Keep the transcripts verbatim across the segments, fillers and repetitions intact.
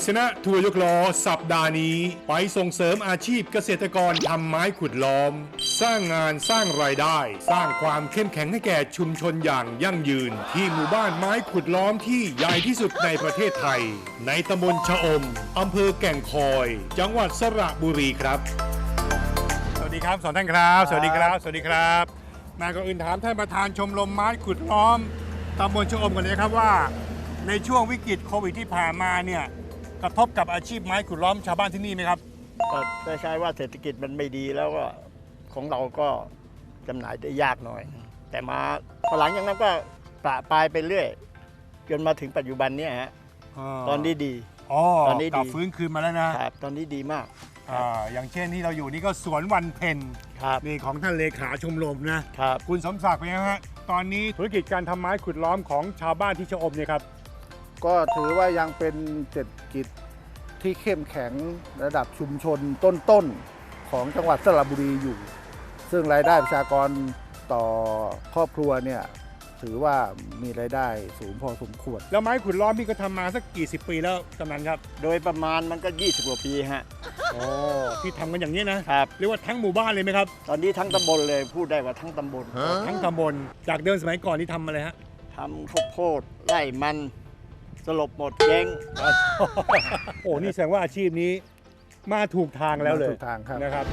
ศนะทัวร์ยกล้อสัปดาห์นี้ไปส่งเสริมอาชีพเกษตรกรทำไม้ขุดล้อม สร้างงานสร้างรายได้ สร้างความเข้มแข็งให้แก่ชุมชนอย่างยั่งยืน ที่หมู่บ้านไม้ขุดล้อมที่ใหญ่ที่สุดในประเทศไทย ในตำบลชะอมอำเภอแก่งคอย จังหวัดสระบุรีครับสวัสดีครับสองท่านครับสวัสดีครับสวัสดีครับมาก่อนอื่นถามท่านประธานชมรมไม้ขุดล้อมตำบลชะอมกันเลยครับว่าในช่วงวิกฤตโควิดที่ผ่านมาเนี่ยกระทบกับอาชีพไม้ขุดล้อมชาวบ้านที่นี่ไหมครับก็ได้ใช้ว่าเศรษฐกิจมันไม่ดีแล้วก็ของเราก็จำหน่ายได้ยากหน่อย แต่มาพอหลังจากนั้นก็ปะปลายไปเรื่อยจนมาถึงปัจจุบันเนี่ยฮะตอนนี้ดีอ๋อตอนนี้ดีฟื้นคืนมาแล้วนะครับตอนนี้ดีมากอ่าอย่างเช่นที่เราอยู่นี่ก็สวนวันเพ็ญนี่ของท่านเลขาชมรมนะครับคุณสมศักดิ์เป็นไงฮะตอนนี้ธุรกิจการทำไม้ขุดล้อมของชาวบ้านที่ชะอมเนี่ยครับก็ถือว่ายังเป็นเศรษฐกิจที่เข้มแข็งระดับชุมชนต้นๆของจังหวัดสระบุรีอยู่ ซึ่งรายได้ประชากรต่อครอบครัวเนี่ยถือว่ามีรายได้สูงพอสมควรแล้วไม้ขุดล้อมพี่ก็ทำมาสักกี่สิบปีแล้วกำนันครับโดยประมาณมันก็ยี่สิบกว่าปีฮะโอ้ที่ทำกันอย่างนี้นะครับเรียกว่าทั้งหมู่บ้านเลยไหมครับตอนนี้ทั้งตำบลเลยพูดได้ว่าทั้งตำบลทั้งตำบลจากเดิมสมัยก่อนที่ทำอะไรฮะทำข้าวโพดไร่มันสลบหมดเจ๊งโอ้นี่แสดงว่าอาชีพนี้มาถูกทางแล้วเลยถูกทางครับนะครับ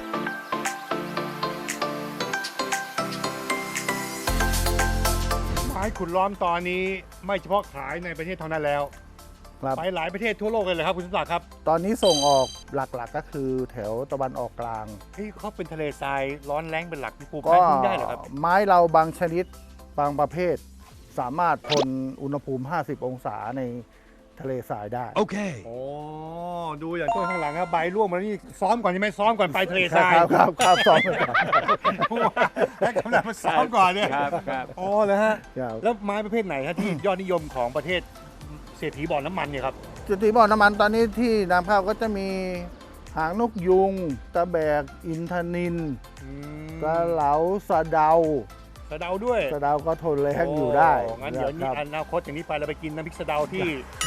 ไม้ขุดล้อมตอนนี้ไม่เฉพาะขายในประเทศเท่านั้นแล้วไปหลายประเทศทั่วโลกเลยเหรอครับคุณสมศักดิ์ครับตอนนี้ส่งออกหลักๆก็คือแถวตะวันออกกลางที่เขาเป็นทะเลทรายร้อนแรงเป็นหลักปลูกไม้พึ่งได้เหรอครับไม้เราบางชนิดบางประเภทสามารถทนอุณหภูมิห้าสิบองศาในทะเลทรายได้โอเคโอ้ดูอย่างต้นข้างหลังครับใบร่วงมานี่ซ้อมก่อนใช่ไหมซ้อมก่อนไปทะเลทรายครับครับครับซ้อมก่อนแล้วกำลังมาซ้อมก่อนเนี่ยครับครับอ๋อแล้วฮะแล้วไม้ประเภทไหนครับที่ยอดนิยมของประเทศเศรษฐีบ่อน้ำมันเนี่ยครับเศรษฐีบ่อน้ำมันตอนนี้ที่นำเข้าก็จะมีหางนกยุงตะแบกอินทนิลกระเหลาสะเดาสะเดาด้วยสะเดาก็ทนแรงอยู่ได้งั้นเดี๋ยวนี้อนาคตอย่างนี้ไปเราไปกินน้ำพริกสะเดาที่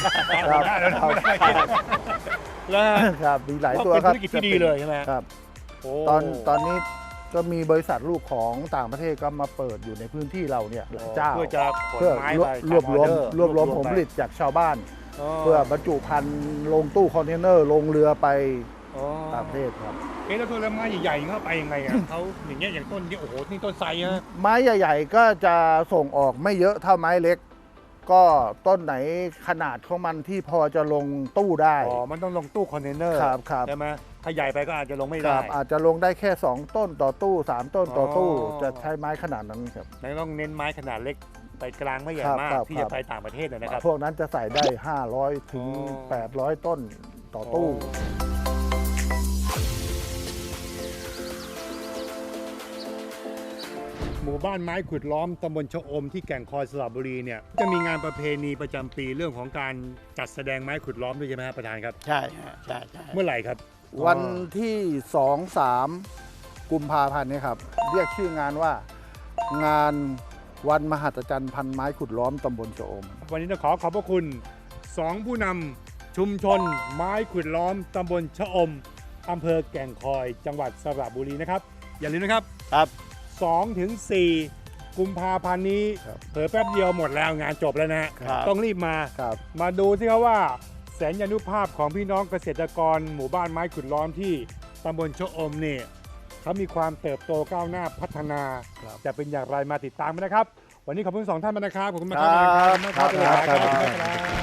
แล้วครับมีหลายตัวครับเป็นธุรกิจที่ดีเลยใช่ไหมครับตอนตอนนี้ก็มีบริษัทลูกของต่างประเทศก็มาเปิดอยู่ในพื้นที่เราเนี่ยเจ้าเพื่อจะขนไม้ไปรวบรวมรวบรวมผลผลิตจากชาวบ้านเพื่อบรรจุภัณฑ์ลงตู้คอนเทนเนอร์ลงเรือไปต่างประเทศครับเอ๊ะแล้วตัวไม้ใหญ่ๆเข้าไปยังไงอ่ะเขาอย่างเงี้ยอย่างต้นนี้โอ้โหนี่ต้นไทรฮะไม้ใหญ่ๆก็จะส่งออกไม่เยอะเท่าไม้เล็กก็ต้นไหนขนาดของมันที่พอจะลงตู้ได้อ๋อมันต้องลงตู้คอนเทนเนอร์ครับครับใช่ไหมถ้าใหญ่ไปก็อาจจะลงไม่ได้อาจจะลงได้แค่สองต้นต่อตู้สามต้นต่อตู้จะใช้ไม้ขนาดนั้นครับแล้วต้องเน้นไม้ขนาดเล็กไปกลางไม่ใหญ่มากที่จะไปต่างประเทศนะครับพวกนั้นจะใส่ได้ห้าร้อยถึงแปดร้อยต้นต่อตู้หมู่บ้านไม้ขุดล้อมตำบลชะอมที่แก่งคอยสระบุรีเนี่ยจะมีงานประเพณีประจำปีเรื่องของการจัดแสดงไม้ขุดล้อมด้วยใช่ไหมครับประธานครับใช่ใช่ใช่เมื่อไหร่ครับวันที่สองสามกุมภาพันธ์นี้ครับเรียกชื่องานว่างานวันมหัศจรรย์พันไม้ขุดล้อมตำบลชะอมวันนี้ต้องขอขอบพระคุณสองผู้นำชุมชนไม้ขุดล้อมตำบลชะอมอำเภอแก่งคอยจังหวัดสระบุรีนะครับอย่าลืมนะครับครับสองถึงสี่กุมภาพันธ์นี้เผลอแป๊บเดียวหมดแล้วงานจบแล้วนะฮะต้องรีบมามาดูสิครับว่าแสนยานุภาพของพี่น้องเกษตรกรหมู่บ้านไม้ขุดล้อมที่ตำบลชะอมเนี่ยเขามีความเติบโตก้าวหน้าพัฒนาจะเป็นอย่างไรมาติดตามกันนะครับวันนี้ขอบคุณสองท่านมากนะครับขอบคุณมากครับ